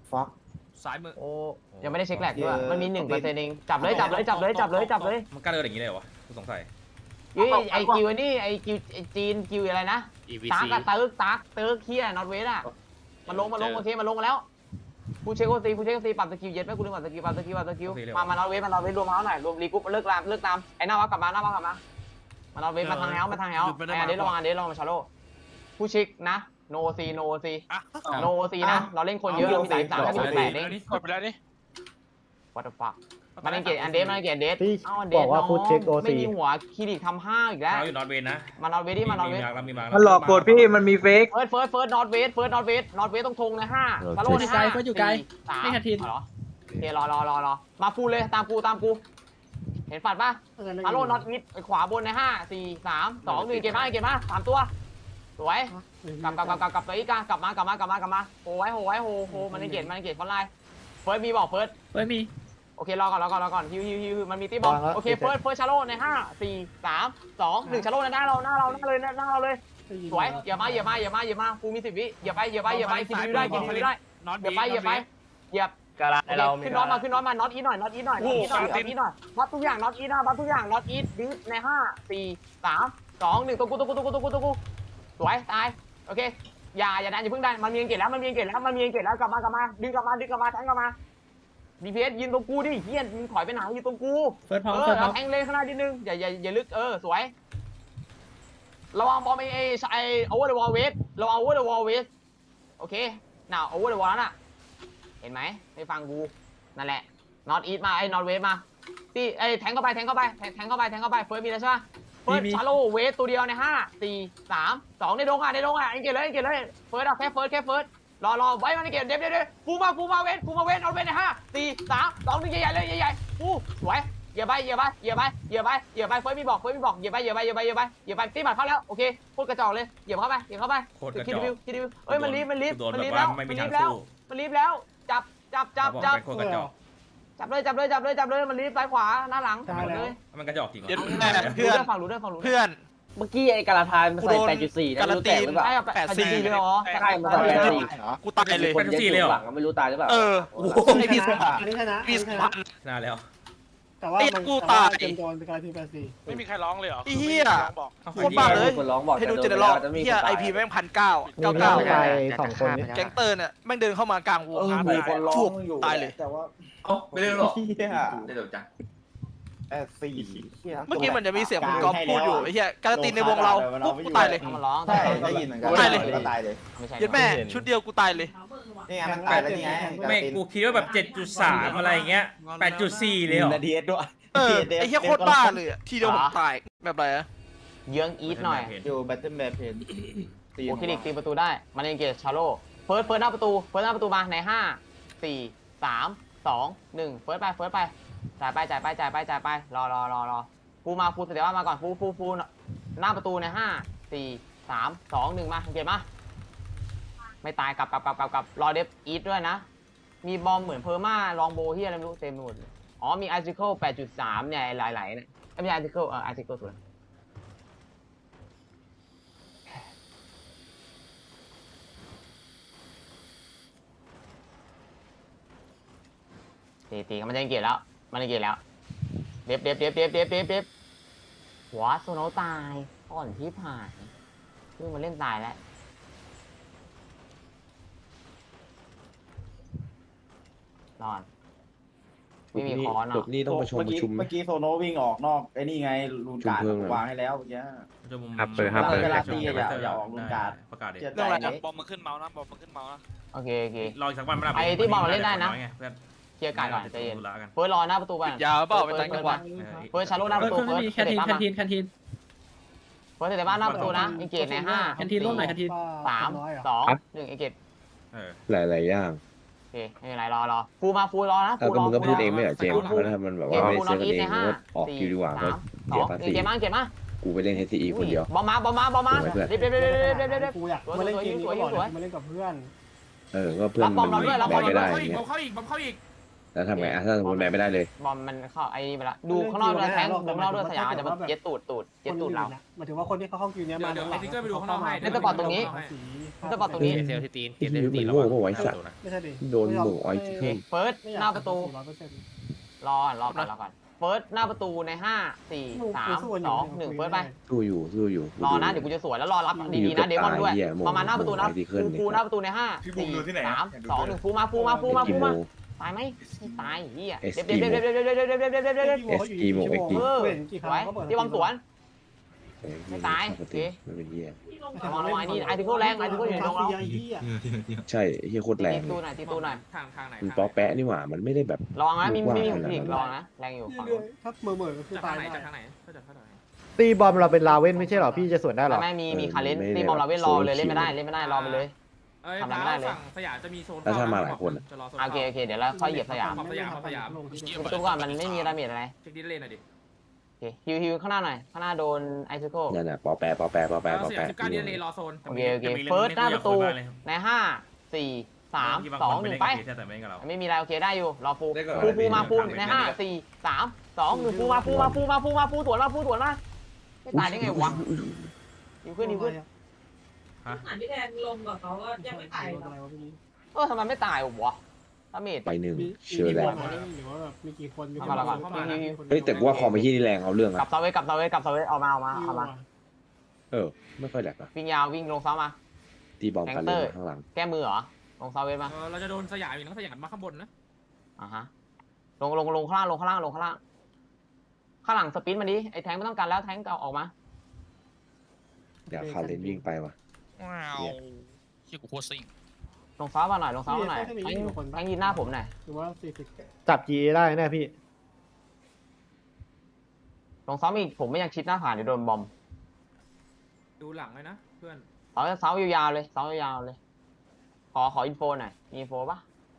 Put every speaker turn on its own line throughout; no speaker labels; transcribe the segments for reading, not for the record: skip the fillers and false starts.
ฟัก
ซ้ายมือ
โอ้ยังไม่ได้เช็คแหลกด้วยมันมี1%เองจับเลย
มันกล้าเดินอย่างนี้เลยเหรอวะกูสงสัย
ไอคิวนี่ไอคิวจีนคิวอะไรนะตากกับตึกเคียนอตเวสอ่ะมันลงโอเคมันลงมาแล้วผู้เช็คโอซีปรับสกิลเย็ดไหมกูลืมปรับสกิลมานอตเวสรวมเท้าหน่อยรวมรีกรุ๊ปเลิกตามไอ้หน้าวักกลับมามานอตเวสมาทางเฮาไอ้เดระวังมาชาโลผู้เช็คนะโนซีนะเราเล่นคนเยอะมี33ถ้ามี8เอง
กดไปแล้วนี่
what the fuck มันเกตอันเดส
พี่
เอาอันเด
บ
ส
อกว่าพูดเช็คโอ
ไม่
ซี
มีหัวคลินิกทำ5อีกแล้ว
เราอยู่นอตเวนนะ
มานอตเวสดิมานอตเวส
มีมา
มันหลอกกดพี่มันมีเฟก
เฟิร์สนอตเวสต้องทงใน5ชาโลใน5อยู่ไกลไม่ทันทีเหรอโอเครอมาฟูเลยตามกูเห็นฝัดป่ะชาโลนอตวิดขวาบนใน5 4 3 2 1เก็บมา3ตัวสวยกลับตัวอีกกลับมาโหไว้มันเกตฟอนไลน์เฟิร์สมีบอกเฟิร์สมีโอเครอก่อนฮิวมันมีตีบอลโอเคเฟิร์สชาโลใน5 4 3 2 1ชาโลในหน้าเราเลยสวยอย่ามาฟูมี10 วิอย่าไปกินวิวได้อย่าไปอย่าขึ้นน็อตมาน็อตอีหน่อยน็อตอีหน่อยน็อตทุกอย่างน็อตอีดิฟใน5 4 3 2 1ตัวกูสวยตายโอเคอย่าดันอย่าเพิ่งดันมันมีเกตแล้วกลับมาดึงกลับมาแทงกลับมาDPS ยืนตรงกูดิเฮียมึงถอยไปไหนอยู่ตรงกูแทงเลยข้างหน้านิดนึงอย่าลึกสวยระวังบอลไอโอเวอร์เดอะวอลเวสเราเอาโอเวอร์เดอะวอลเวสโอเคน่าโอเวอร์เดอะวอลนั่นน่ะเห็นไหมให้ฟังกูนั่นแหละนอตอีทมาไอ้นอตเวสมาที่ไอ้แทงเข้าไปเฟิร์สมีแล้วใช่ไหมเฟิร์สชาโลเวสตัวเดียวใน5 4 3 2ในดงอ่ะเอ็งเกตเลยเฟิร์สแค่เฟิร์สรอไว้มันเกตเด็บฟูมาเวสเอาเวสใน5 4 3 2 1ใหญ่เลยใหญ่ฟูสวยอย่าไปเฟิร์สมีบอกอย่าไปตีบัตรเข้าแล้วโอเคพูดกระจอกเลยเหยียบเข้าไปคิดดิวเอ้ยมันรีบแล้วจับเลยมันรีบซ้ายขวาหน้าหลังเลย
มันกระจอกจริง
เพื่อน
ฝั่งรู้ด้วย
เพื่อน
เมื่อกี้ไอ้กาลาทายมันใส่ 8.4 นะไม่รู้แตกหรือเปล่า
8.4เลยเหรอ
ใช่มันใส่ 8.4
กูตายเลย
คนเดียวหลังไม่รู้ตายหรือเปล่า
ไอพี่
อันนี้ชนะ
พี่สุพรรณ
นานแล้ว
แต่ว่ามัน
กูตาย
เต็มโดนเป็นการที84
ไม่มีใครร้องเลยเหรอ
เฮีย
บอก
โคตรบ้าเลย
คนร้องบอก
ให้ดูเจเนอเรลเฮียไอพีแม่ง1,999
ไป2 คนนี้
แก๊งเตอร์เนี่ยแม่งเดินเข้ามากลางวง
มีคนร้องอยู่
ตายเลย
แต่ว่า
ไม่ได้หรอก
ได้เดี๋ยวจัง4
เมื่อกี้มันจะมีเสียงคุณก๊อฟพูดอยู่ไอ้เฮียการตีในวงเราปุ๊บกูตายเลย
มันร้อง
ใช่ได้ยินเหมือนกัน
ตายเลย
ก็ตายเลย
ไม่ใช่
ยัดแม่ชุดเดียวกูตายเลย
นี่ไงมันตายแล้วนี่ไง
ไม่กูคิดว่าแบบ 7.3 อะไรเงี้ย 8.4 เลยเหรอ
นาทีด้วย
ไอ้เฮียโคตรบ้าเลยทีเดียวผมตายแบบไรอะ
เยื้องอีทหน่อย
อยู่แบตเทิลแมปเพน
โอเคตีประตูได้มันเองเกตชาโลเฟิร์สหน้าประตูมาใน5 4 3 2 1เฟิร์สไปจ่ายไปรอฟูมาฟูเดี๋ยวมาก่อนฟูหน้าประตูใน5 4 3 2 1มาเกตมาไม่ตายกลับรอเดฟอีทด้วยนะมีบอมเหมือนเพอร์มาลองโบที่อะไรไม่รู้เต็มหมดอ๋อมีอาร์ติเคิล 8.3 เนี่ยหลายๆเนี่ยไม่ใช่อาร์ติเคิลอาร์ติเคิลตัวตีมันจะเกลียดแล้วเด็บหัวโซโนตายอ่อนที่ผ่านเพิ่งมาเล่นตายแล้วนอนไม่มีคอนอ่ะ
นี่ต้องประชุม
เมื่อกี้โซโนวิ่งออกนอกไอ้นี่ไงลูนการ์ดวางให้แล้วเมื่อกี้ เวลาตีอย่าออกลูกการ์ด
ประกาศดิ
เจ็ด
เรื่องอะไร
บอมมาขึ้นเมาส์นะบอมมาขึ้นเมาส์นะ
โอเค
รออีกสักวันไม่ได้
ไอ้ที่บอลเล่นได้นะ
เพื่อน
เคลียร์การก่อนใจเย็น
ธุระกัน
เฟิร์สรอหน้าประตูไป
ยาวเปล่าไปต่างจังหวัด
เฟิร์สชาโลหน้าประตูเฟิร์สแคนทีนเฟิร์สแต่บ้านหน้าประตูนะอิงเกตใน5 3 2 1อิงเกต
หลายอย่าง
โอเคไม่เป็นไรรอฟูรอนะ
ก็มึงก็พูดเองไม่เหรอเจมส์เพราะถ้ามันแบบว่าไม่เซฟเองก็ออกคิวดีกว่าก็เสียภาษี
เกตมา
กูไปเล่น HCE คนเดียว
บอมมาเด็บ
กูอยากมาเล่นเกมนี้ก็บอกมาเล่นกับเพื่อน
ก็เพื่อนมันแบกไม่ได้
เข้าอี
เงี้
ก
โ
แล้วทำไงถ้าสมมติแบนไม่ได้เลย
บอมมันเข้าไอ้นี่ไปละดูข้างนอกด้วยแทงดูข้างนอกด้วยสยามอาจจะมาเย็ดตูดเย็ดตูดเรา
หมายถึงว่าคนที่เขาเข้าคิวเนี้ยมา
เดี๋ยวไอ้ทิกเกอร์ไปดูข้างนอกให้
เล่นสปอร์ตตรงนี้ สปอร์ตตรงนี้
เซลที่ตีน
ไอ้ที่มันโง่เพราะไว้สัตว์
ไม่ใช่ดิ
โดนโบกไอ้ที่เพิ่ม
เฟิร์สหน้าประตู
100%
รอก่อนเฟิร์สหน้าประตูใน5 4 3 2 1เฟิร์สไป
สู้อยู่
รอนะเดี๋ยวกูจะสวยแล้วรอรับดีๆนะเดมอนด้วยประมาณหน้าประตูนะฟูหน้าประตูใน5 4 3 2 1ฟูมาตายไหมตายเฮียเด็บที่บอมสวนไม่ตายโอเค
มันเป็นเหี้ย
ระวังนี่ไอทิโก้แรงไอทิโก้อยู่ในตรงเรา
ใช่เหี้ยโคตรแรง
ตีตู้หน่อย
ทางไหน
มันป๊อแปะนี่หว่ามันไม่ได้แบบ
ระวังนะมีอีกระวังนะแรงอยู่ฝั่ง
ถ้าเหม่อก็คือ
จาก
ตา
ทาย งไหน
ได้
จากทางไหนก็จากทางไหน
ตีบอมเราเป็นลาเว่นไม่ใช่หรอพี่จะสวนได้หรอ
ไม่มีคาเลนตีบอมเราเว้นรอเลยเล่นไม่ได้รอไปเลย
เอ้ย
ทำอะไรไม่ได้เลย
ฝั่งสยามจะมีโซน
แล้วถ้ามาหลายคนอะ
จะรอโซน
โอเคเดี๋ยวเราค่อยเหยียบสยาม
สยาม
ทุกก่อนมันไม่มีดาเมจอะไร
เช็คดิสเลนหน่อยดิ
โอเคฮิวข้างหน้าหน่อยข้างหน้าโดนไอซิโก้
นั่นน่ะป๊อแปะ
สยาม19ดิสเลนรอโซน
โอเคเฟิร์สหน้าประตูใน5 4 3 2 1ไปไม่มีอะไรโอเคได้อยู่รอฟูมาฟูใน5 4 3 2 1ฟูมาฟูสวนมาไม่ตายได้ไงวะยิงขึ้น
พี่แทนลงกับเขาก็ยังไม่ตายหรอก
ทำไมไม่ตายวะดาเมจ
ไปหนึ่งเชื่อแล้ว
หรือว่าแบบมีกี่คน
เฮ้ยแต่ว่าคอมไปที่นี่แรงเอาเรื่อง
กลั
อะ
บเซาเวสออกมา
ไม่ค่อยแหลกอะ
วิ่งยาววิ่งลงเซามา
ตีบอมกันเลยข้างหลัง
แก้มือเหรอลงเซาเวสมา
เราจะโดนสยามอีกนะสยามมาข้างบนนะ
ฮะลงข้างล่างข้างหลังสปินมาดิไอ้แทงไม่ต้องการแล้วแทงเก่าออกมา
เดี๋ยวคาเลนวิ่งไปว่ะ
ว้าวเชี่ยกูโคตรซิ่ง
ลงเซามาหน่อยแทงยืนหน้าผมหน่อย
หรือว่า40
จับ GA ได้แน่พี่
ลงเซาอีกผมไม่ยังชิดหน้าผ่านเดี๋ยวโดนบอม
ดูหลังเลยนะเพื่อน
เซายาวๆเลยขออินโฟหน่อยมีอินโฟปะ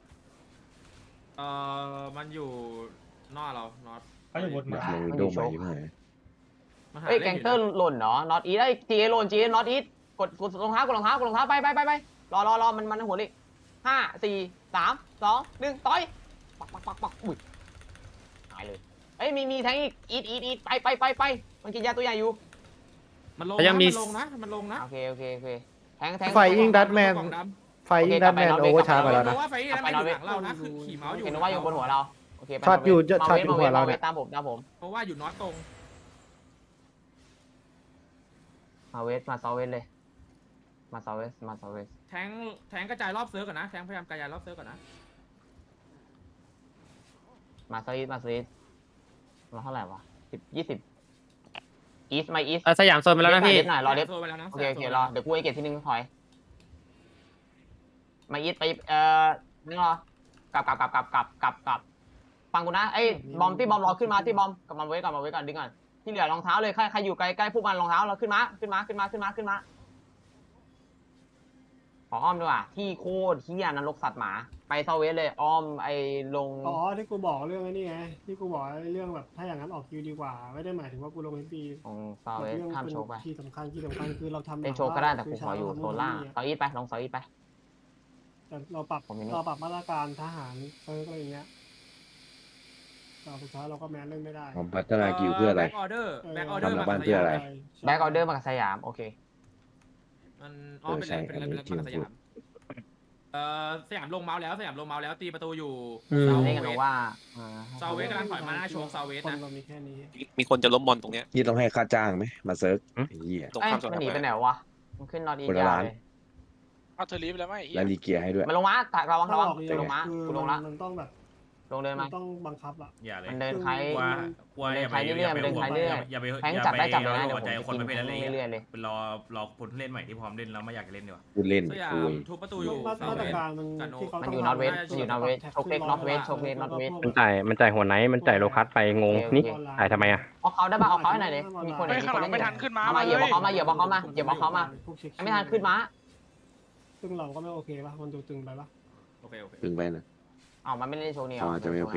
มันอยู่นอกเราน็อต
มันลงวินโดว์ใหม่ยังไง
เอ้ยแกงเตอร์หล่นเนาะน็อตอีได้จีเอหล่นจีเอน็อตอีกดรองเท้ากดรองเท้าไปรอมันหัวเลย5 4 3 2 1ต่อยปักอุ้ยหายเลยเอ้ยมีแทงอีกอีทไปมันกินยาตัวใหญ่อยู่
มันลงนะ
โอเคแทง
ไฟยิงดัตแมนโอเวอร์ชาร์จไปแล้วนะ
ว่าไฟนี้มันอยู่หลังเรานะคือขี่เมาส์อยู่
เห็นว่าอยู่บนหัวเราโอเค
ช็อตอยู่หัวเราเนี่ย
ตามผม
เพราะว่าอยู่น็อตตรง
มาเวสมาเซาเวสเลยมาเซาเวส
แทงกระจายรอบเซิร์ฟก่อนนะแทงพยายามกระจายรอบเซิร์ฟก่อนนะ
มาเซาอีสมาเท่าไหร่วะ10 20อีสมาอีส
สยามโซนไปแล้วนะพี่
หน่อยรอเด็บ
โซนไปแล้วนะ
โอเครอเดี๋ยวกูไอเกตทีนึงถอยมาอีสไปนี่รอกลับฟังกูนะไอ้บอมที่บอมรอขึ้นมาที่บอมกลับมาไว้ก่อนดึงก่อนที่เหลือรองเท้าเลยใครอยู่ใกล้พวกมันรองเท้าเราขึ้นมาขออ้อมด้วยว่ะที่โคตรเฮี้ยนรกสัตว์หมาไปเซาเวสเลยอ้อมไอ้ลง
ที่กูบอกเรื่องนี้ไงที่กูบอกเรื่องแบบถ้าอย่างนั้นออกคิวดีกว่าไม่ได้หมายถึงว่ากูลงMP
ของเซาเวสห้ามโชว์ไป
ที่สำคัญคือเราทำ
เล่นโชว์ก็ได้แต่กูขออยู่โซนล่างเซาอีทไปลงเซาอีทไป
แต่เราปรับมาตรการทหารอะไรอย่างเงี้ยเราสุดท้ายเราก็แมนเล่นไม่ได้
ผมพัฒนากิวเพื่ออะไร
แบ็กออเดอร์
ทำหลังบ้านเพื่ออะไร
แบ็กออเดอร์มากับสยามโอเค
มันเป็นสยามสยามลงเมาส์แล้วตีประตูอยู่
เล่นกันว่า
เซาเวสกำลังถอยมาหน้าโชว์เซาเวสนะ
เรามีแค่นี้
มีคนจะล้มบอลตรงเนี้ย
นี่ต้องให้ค่าจ้างไหมมาเซิร์ฟเหี้ย
ตรง
เอ้ย
ข้ามสนาม
มันหนีไปไหนวะมันขึ้นนอตอี
คนละ
ยา
ร้าน
เลย
เอาเธอรีบแล้วไหม
และรีเกียร์ให้ด้วย
มันลงมาระวังกูลงมากูลงละ
มันต้องแบบ
ลงเดินมา
ต้องบังคับอ่ะ
อย่าเลย
มันเดินใคร
อย่าไป
แทงจับได้จับเลยนะ
หัวใจคนไม่เป็นอะไร
เรื่อยๆเลย
เป็นรอคนเล่นใหม่ที่พร้อมเล่นแล้วไม่อยากจะเล่นดีกว่า
พูดเล่น
สยา
คุ
ม
ย
ทุบประตูอยู่
มาตรการมันที่เขา
มันอยู่นอตเวสโชคเล็กนอตเวส
มันจ่ายหัวไนท์มันจ่ายโลคัสไปงงนี่จ่ายทำไมอ่ะ
เอาเขาได้ป่ะเอาเขาให้หน่อยดิมีคน
ข้างหลังไม่ทันขึ้นมา
มาเหยียบเขามาไม่ทันขึ้นมา
ซึ่งเราก็ไม่โอเคป่ะมันดูตึงไปป่ะ
โอเค
ตึงไปนะ
เอามันไม่เล่นโชว์นี่
อ๋อจะไม่โอเค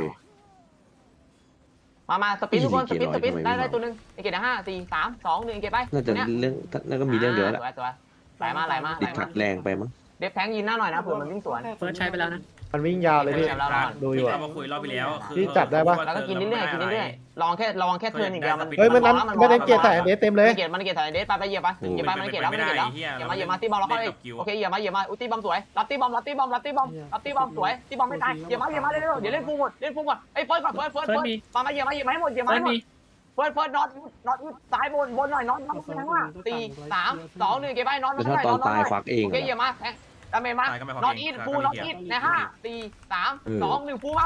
มาสปินทุกคนสปินได้ตัวนึงไอเกต5 4 3 2 1เกตไป
น่าจะเรื่องน่าก็มีเรื่องเดียวแหละ
สวยไหลมา
ติดขัดแรงไปมั้ง
เด็บแทงยินหน้าหน่อยนะเผื่อมันวิ่งสวน
เฟิร์สใช้ไปแล้วนะ
มันวิ่งยาวเลยพี่ดูอยู่
เรา
อะ
มาคุยรอบไปแล้ว
พี่จับได้ปะ
แล้วก็กินเรื่อยๆกินเรื่อยๆระวังแค่เทิร์นอย่างเดียวมัน
เฮ้ยมันนั้นไม่ได้เกียร์ใส่เดสเต็มเลย
มันเกียร์ถ่ายเดสไปเหยียบมันเกียร์แล้วเหยียบมาตีบอลเราเข้าเลยโอเคเหยียบมาอุ้ยตีบอมสวยรับตีบอมสวยตีบอมไม่ตายเหยียบมาเร็วเดี๋ยวเล่นฟูหมดไอ้เฟิร์สก่อนเฟิร์สมาเหยียบมาให้หมดเฟิร์สน็อตซ้ายบนหน่อยน็อตทั้งว่า4 3 2 1เก็บไปน็อต
แต่ถ้าตอนตายฟักเอง
โอเคเหยียบมาดาเมจมาน็อตอีทฟูน็อตอีทใน5 4 3 2 1ฟูมา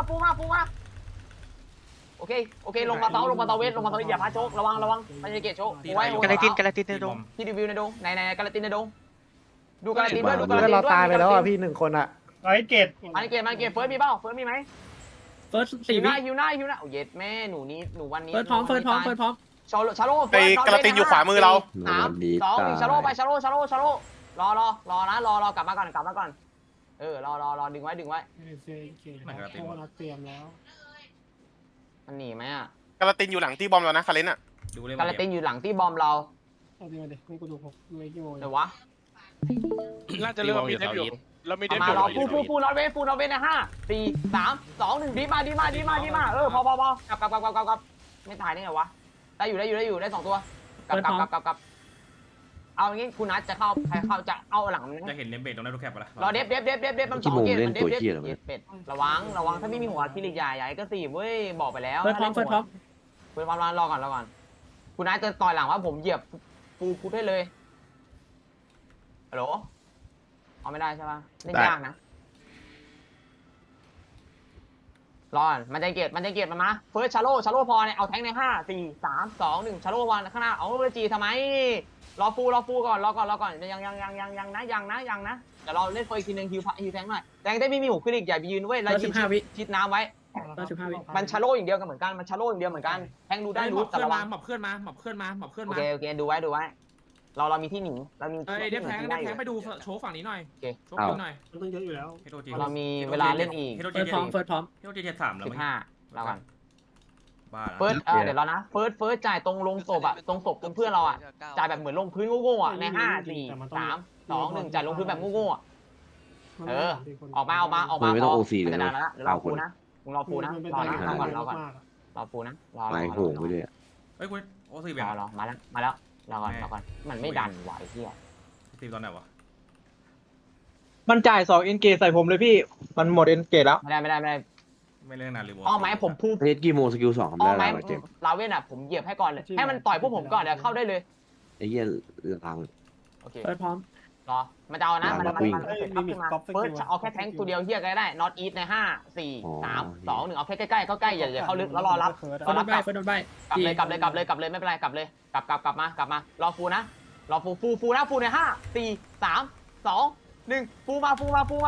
โอเคลงมาเตาเวทอย่าพาโชกระวังมันจะเกตโชกไว้กาลาตินในดงที่รีวิวในดงในกาลาตินในดงดูกาลาตินด้วย
เราตายไปแล้วอ่ะพี่1คนอ่ะ
ไอ้เกต
มันเกตเฟิร์สมีเปล่าเฟิร์สมีไหม
เฟิร์ส
ฮิวหน้าโอ้เย็ดแม่หนูวันนี้
เฟิร์สพร้อม
ชาโล
ไอ้กระตินอยู่ขวามือเรา
3 2 1ชาโลไปชาโลรอกลับมาก่อนรอดึงไว้
เกตเตรียมแล้ว
มันหนีไหมอ่ะ
กระตินอยู่หลังที่บอมเรานะคาเลนอ่ะ
กาลาตินอยู่หลังที่บอมเรา
เอาดีมาดินี่กูดูไอ้กี่โมง
เดี๋ยววะ
น่าจะเริ่มมีเดฟอยู่แล้วมีเดฟอ
มา
ยู่
รอฟูนอตเวฟใน5 4 3 2 1ดีมาพอกลับไม่ตายได้ไงวะได้อยู่ได้2ตัวกลับเอาอย่างงี้คุณนัทจะเข้าใครเข้าจะเอาหลังมัน
จะเห็นเลมเบตตรงนั้นทุกแคปปะล่ะ
รอเดฟมัน2เกตมันเดฟเป็ดระวังถ้าไม่มีหัวคิริใหญ่ก็4เว้ยบอกไปแล้ว
เฟิร์สพร้อม
เฟิร์สรอก่อนคุณนัทจะต่อยหลังว่าผมเหยียบฟูคุดให้เลยฮัลโหลเอาไม่ได้ใช่ป่ะเล่นยากนะรอมันจะเกตมันมาเฟิร์สชาโลพอเนี่ยเอาแทงใน5 4 3 2 1ชาโลวันข้างหน้าเอาเวจีทำไมรอฟูก่อนยังนะเดี๋ยวเราเล่นเฟิร์สอีกทีนึงฮิวแทงหน่อยแทงได้ไม่มีหูขึ้นอีกอย่าไปยืนเว้ยแล้วชิดน้ำไว้มันชาโลอย่างเดียวกันเหมือนกันแทงดูได้รู้แต่ระวัง
หมอบเคลื่อนมา
โอเคดูไว้เรามีที่หนีเรามี
เดฟแทงไปดูโชว์ฝั่งนี้หน่อยโชว์หน่อย
มันต้องเยอะอยู่แล้ว
เรามีเวลาเล่นอีก
เฟิร์สพร้อมเฮโรเจ3แล้ว
15เรากัน
บ้า
เฟิร์สเดี๋ยวเรานะเฟิร์สจ่ายตรงลงศพอ่ะตรงศพเพื่อนเราอ่ะจ่ายแบบเหมือนลงพื้นโง่ๆอ่ะใน5 4 3 2 1จ่ายลงพื้นแบบโง่ๆอ่ะออกมา
ไม่ต้อง OC เลย
นะ
นะ
รอฟูนะรอฟูนะรอฟูนะรอ
ตายโหงไปเลย
เฮ้ยคุณโอซีแบบ
รอมาแล้วรอก่อนมันไม่ดันไหวเฮีย
ตีตอนไหนวะ
มันจ่าย2เอ็นเกใส่ผมเลยพี่มันหมดเอ็นเกแล้ว
ไม่ได้
ไม่เรื่องนานเลย
อ้อไหมผมพูด
เพชรกี่โมงสกิล2ทำได้แล้วเจ็บ
ลาเว่นอ่ะผมเหยียบให้ก่อนเลยให้มันต่อยพวกผมก่อนเดี๋ยวเข้าได้เลย
ไอ้เหี้ยลัง
โอเค
เฟิร์สพร้อม
รอมันจะเอานะมันเฟิร์สเอาแค่แทงตัวเดียวเฮียก็ได้น็อตอีทใน5 4 3 2 1เอาแค่ใกล้อย่าเข้าลึกแล้วรอรับ
เฟิร์สโดนใบ
กลับเลยไม่เป็นไรกลับเลยกลับมารอฟูนะรอฟูนะฟูใน5 4 3 2 1ฟูมาก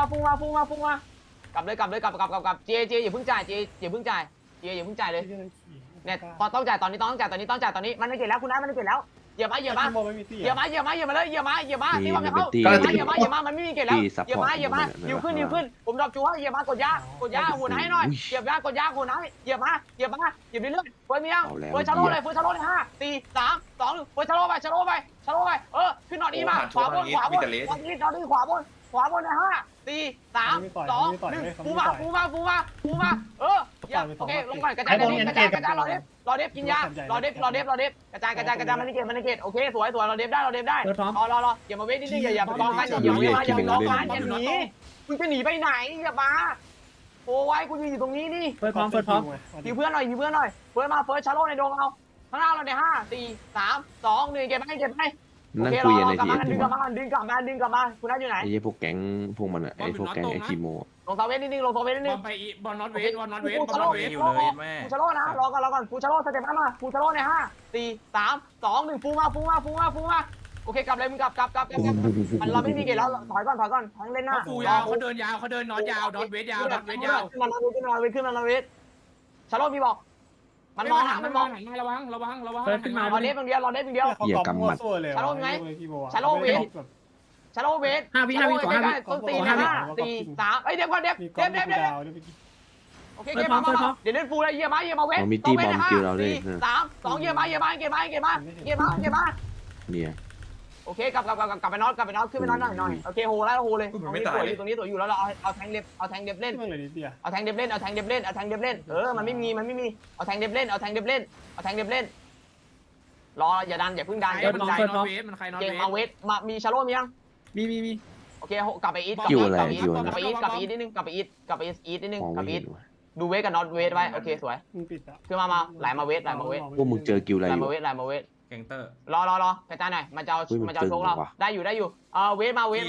ลับเลยเจอย่าเพิ่งจ่ายเลยเนี่ยต้องจ่ายตอนนี้มันไม่เกิดแล้วคุณนัทมันไม่เกิดแล้วเหยียบมาเลยเหยียบมาที่ว่าจะเข้าเหยียบมามันไม่มีเกิดแล้วเหยียบมาหิวขึ้นผมดรอปจูว่าเหยียบมากดยาหัวไหนหน่อยเหยียบยากดยาหัวไหนเหยียบมาเรื่อยๆเฟิร์สมียังเฟิร์สชาโลเลย5 4 3 2 1เฟิร์สชาโลไปขึ้นนอตอีมาขวาบนนอตอีขวาบนใน5 4 3 2 1ฟูมาโอเคลงก่อนกระจายรอเดฟกินยารอเดฟกระจายมันนี่เกตโอเคสวยรอเดฟได้รออย่ามาเวทนิดนึงอย่าร้องกันอย่าหนีมึงจะหนีไปไหนอย่ามาโอ้ยกูอยู่ตรงนี้นี่
เฟิร์สพร้อม
ยิงเพื่อนหน่อยเฟิร์สมาเฟิร์สชาโลในดงเอาข้างหน้าเราใน5 4 3 2 1เก็บให้โอเครอกลับมาดึงกลับมาคุณนัทอยู่ไหน
ไอ้พวกแก๊งพวกมันอ่ะไอ้พวกแก๊งไอ้คีโม
ลงเซเว่นนิดนึง
บอลน็อตเวทอยู่เลยแม่
ฟูชาโลนะรอก่อนฟูชาโลสเต็ปมาฟูชาโลใน5 4 3 2 1ฟูมาโอเคกลับเลยมึงกลับมันเราไม่มีเกตแล้วถอยก่อนทั้งเล่นหน้า
ฟูยาวเขาเดินยาวเขาเดินน็อตยาวน็อตเวทยาวขึ้นมาเวทชาโลมีบอกมันมองระวัง
เฟิร์สขึ้นมาร
อเดฟอย่างเดียว
เหี้ยกำมัด
ชาโลเวท
5 วิ
ต้นตีนะ5 4 3เดี๋ยวก่อนเดฟโอเคเกมมาเดี๋ยวเล่นฟูเลยเยี่ยมาเวท
มีตีบอมกิลเราเลย
3 2เยี่ยมาเกมมา
เนี่ย
โอโอเคกลับไปน็อตขึ้นไปน็อตหน่อยโอเคโหแล้วโหเลยตรงนี้สวยอยู่แล้วเราเอาแทงเด็บเล่น
ขึ้นมาเลยนิดเดียว
เอาแทงเด็บเล่นมันไม่มีเอาแทงเด็บเล่นรออย่าดันอย่าพึ่งดัน
นอตเวสมันใครนอต
เก่ง
เวส
มาเวทมามีชาโลมียัง
มี
โอเคกลับไปอีทนิดนึงกลับไปอีทนิดนึงดูเวทกับน็อตเวทไว้โอเคสวย
มึงปิดอ่ะ
คือมาไหลมาเวท
พวกมึงเจอกิวอะไร
ไหล
อยู่
มาเวท
แกงเตอร์
รอกระจายหน่อยมันจะเอาโชคเราได้อยู่เวทมารอ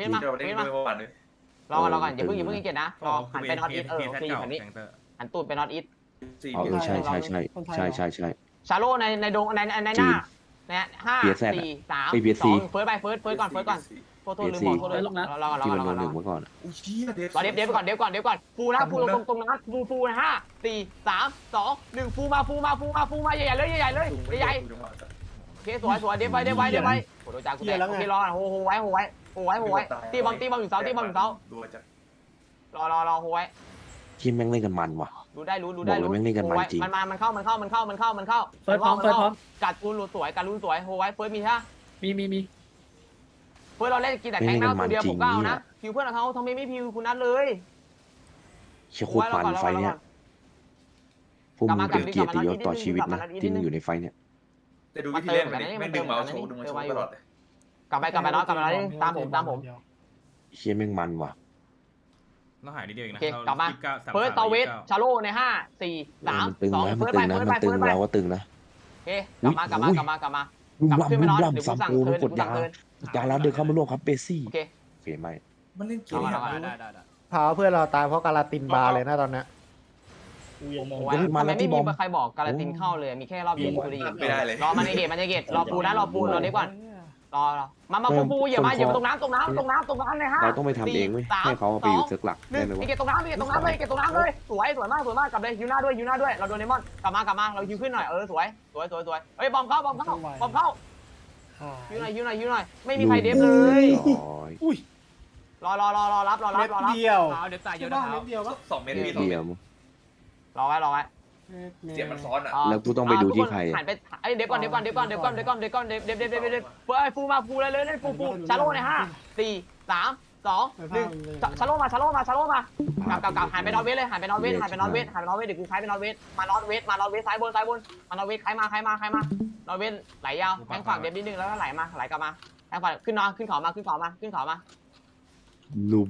ก่อนอย่าเพิ่งเกียรนะรอหันไปน็อตอีทโอเคอยู่แบบนี้หันตูดไปน็อตอีท
ใช่
ชาโลในดงในหน้าเนี่ย5 4 3 2เฟิร์สก่อนโทษลืมบอกเลยรอ
ที่มันโดนหนึ่งเมื่อก่อน
รอเดี๋ยวก่อนฟูนะฟูตรงนั้นฟูนะ5 4 3 2 1ฟูมาใหญ่เลยโอเคสวยเดี๋ยวไปโดนจากกูแตกโอเครอโหไว้ตีบอมอยู่เสารอโหไว้
ทีมแม่งเล่นกันมันว่ะ
รู้ได้
จริง
มันเข้าเฟิร์สพร้อมกัดรูนสวยโหไว้เฟิร์สมีใช่
มี
เฟิร์สเราเล่นกินแต่แทงหน้าตัวเดียวผมก็เอานะพิวเพื่อนเขาทำไมไม่พิวคุณนัทเลย
เชี่ยโคตรมันไฟเนี่ยพวกมึงเป็นเกียรติยศต่อชีวิตนะที่มึงอยู่ในไฟเนี่ย
แต่ดูวิธีเล่นไม่ดึงเมาส์โชว์ตลอดเลยกลับไปตามผม
เชี่ยแม่งมันว่ะ
ต้องหายนิดเดียวเองนะ
โอเคกลับมาเฟิร์สเวทชาโลใน5 4 3 2เฟิร์สไป
เราก็ตึงนะ
โอเคกลับมาขึ้นไปนอนเดี๋ยวผมสั่งเทิร์นกด
ยาแล้วเดินเข้ามาร่วมครับเบซี่
โอเค
ไม่
มันเล่นเกม
ได้
พาเพื่อนเราตายเพราะการาตินบาร์เลยนะตอนเนี้ย
ทำไมไม่มีใครบอกการันตีเข้าเลยมีแค่รอบเดียวกูได้ยิน
ไม่ได้เลย
รอมันในเกตรอปูรอเด็กก่อนรอมาปูอย่ามาตรงน้ำเลยฮะ
เราต้องไปทำเองเว้ยให้เขาไปอยู่เซิร์ฟหลักได้ไหมวะ
เก็บตรงน้ำเลยสวยมากกลับเลยยูน่าด้วยเราโดนเดมอนกลับมาเรายูขึ้นหน่อยสวยเฮ้ยบอมเข้ายูหน่อยไม่มีใครเดฟเลยรอรับ
เม็ดเดียว
เดี๋ยวตายเยอะ
บ้า
นะ
เม็ดเดียวปะ
2 เมตร
เดียว
รอไว้
เสียงมันซ้อนอ่ะ
แล้วกูต้องไปดูที่ใคร
หันไปไอ้เดฟก่อนเดฟฟูเลยเล่นฟูชาโลใน5 4 3 2 1ชาโลมากลับหันไปนอตเวสเลยหันไปนอตเวสเดี๋ยวกูคล้ายไปนอตเวสมานอตเวสซ้ายบนมานอตเวสใครมานอตเวสไหลยาวแทงฝั่งเดฟนิดนึงแล้วก็ไหลกลับมาแทงฝั่งขึ้นเขามา
ลุ่ม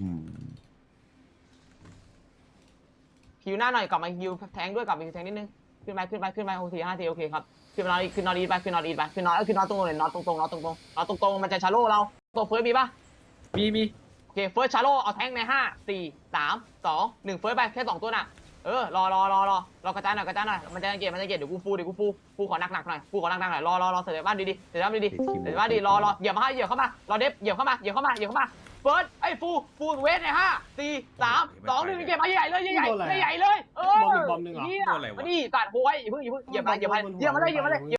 คิวหน้าหน่อยกลับมาคิวแทงด้วยกลับมาคิวแทงนิดนึงขึ้นไปโอเค5 ทีโอเคครับขึ้นนอนอีทไปขึ้นนอนตรงเลยนอนตรงมันจะชาโลเราตัวเฟิร์สมีป่ะ
มี
โอเคเฟิร์สชาโลเอาแทงใน5 4 3 2 1เฟิร์สไปแค่2ตัวน่ะรอกระจายหน่อยมันจะเกตเดี๋ยวกูฟูขอหนักหน่อยรอเสร็จบ้านดีรอเหยียบเข้ามารอเดฟเหยียบเข้ามาเฟิร์สไอ้ฟูเวทใน5 4 3 2 1เก็บมาใหญ่เลยใหญ่เลย
บอมหนึ่งเหรอ
นี่มาดิตัดโหยอย่าเพิ่งเหยียบมาเลย